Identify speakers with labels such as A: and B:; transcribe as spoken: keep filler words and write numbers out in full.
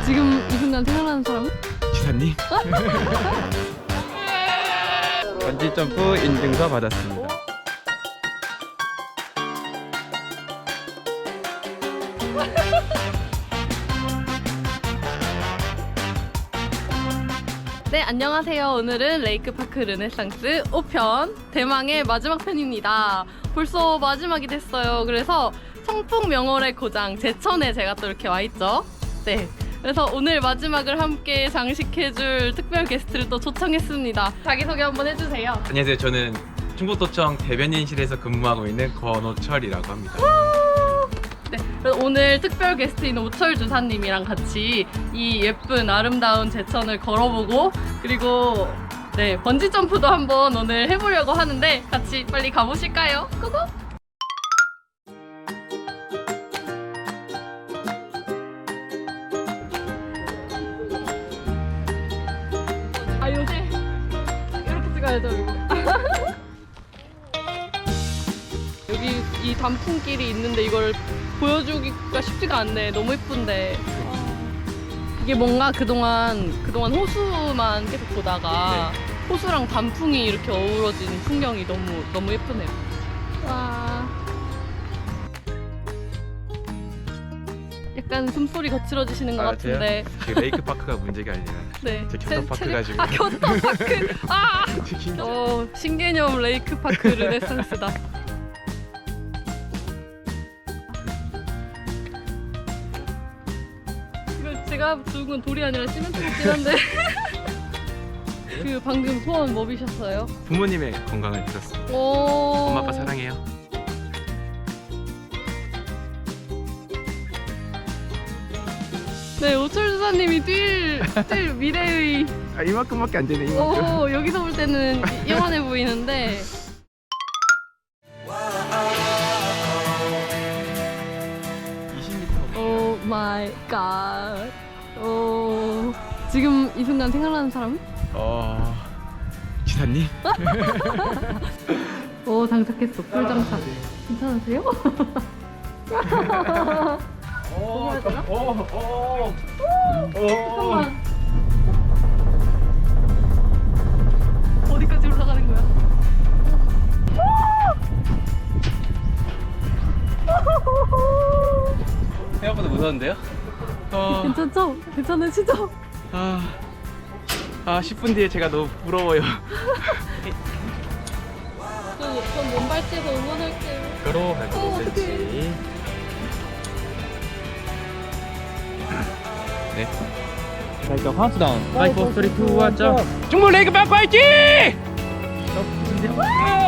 A: 지금 이 순간 생각나는 사람은?
B: 지사님. 번지점프 인증서 받았습니다.
A: 네, 안녕하세요. 오늘은 레이크파크 르네상스 오 편 대망의 마지막 편입니다. 벌써 마지막이 됐어요. 그래서 청풍명월의 고장 제천에 제가 또 이렇게 와있죠. 네, 그래서 오늘 마지막을 함께 장식해줄 특별 게스트를 또 초청했습니다. 자기소개 한번 해주세요.
B: 안녕하세요. 저는 충북도청 대변인실에서 근무하고 있는 권오철이라고 합니다.
A: 네, 그래서 오늘 특별 게스트인 오철 주사님이랑 같이 이 예쁜 아름다운 제천을 걸어보고 그리고 네 번지 점프도 한번 오늘 해보려고 하는데 같이 빨리 가보실까요? 고고! 아 요새 이렇게 찍어야죠 이거. 여기 이 단풍길이 있는데 이걸 보여주기가 쉽지가 않네. 너무 예쁜데. 이게 뭔가 그동안 그동안 호수만 계속 보다가
B: 네.
A: 호수랑 단풍이 이렇게 어우러진 풍경이 너무 너무 예쁘네요. 와. 약간 숨소리 거칠어지시는 것
B: 아,
A: 같은데.
B: 그 레이크 파크가 문제가 아니라
A: 네.
B: 제 교통파크가 지금.
A: 아 교통파크. 아.
B: 신기하죠?
A: 어 신개념 레이크파크 르네상스다. 제가 주운 건 돌이 아니라 시멘트 같긴 한데. 그 방금 소원 뭐 비셨어요?
B: 부모님의 건강을 빌었습니다.
A: 오.
B: 엄마 아빠 사랑해요.
A: 네, 오철 주사님이 뛸, 뛸 미래의.
B: 아 이만큼밖에 안 되네. 이만큼.
A: 오, 여기서 볼 때는 영원해 보이는데.
B: 이십 미터.
A: 오 마이 갓. 오. 지금 이 순간 생각나는 사람은?
B: 어 지사님.
A: 오, 장착했어. 풀 장착. 괜찮으세요?
B: 오,
A: 해야 되나?
B: 오, 오,
A: 잠깐만. 어디까지 올라가는 거야?
B: 생각보다 무서운데요? 어,
A: 괜찮죠? 괜찮으시죠?
B: 아, 아 십 분 뒤에 제가 너무 부러워요.
A: 저, 전 몸발치에서 응원할게요.
B: 그로
A: 어,
B: 오 센티미터. 네. 자, 일단 카운트다운. 파이브, 쓰리, 투, 원, 점. 중국 레이크 파크 화이팅!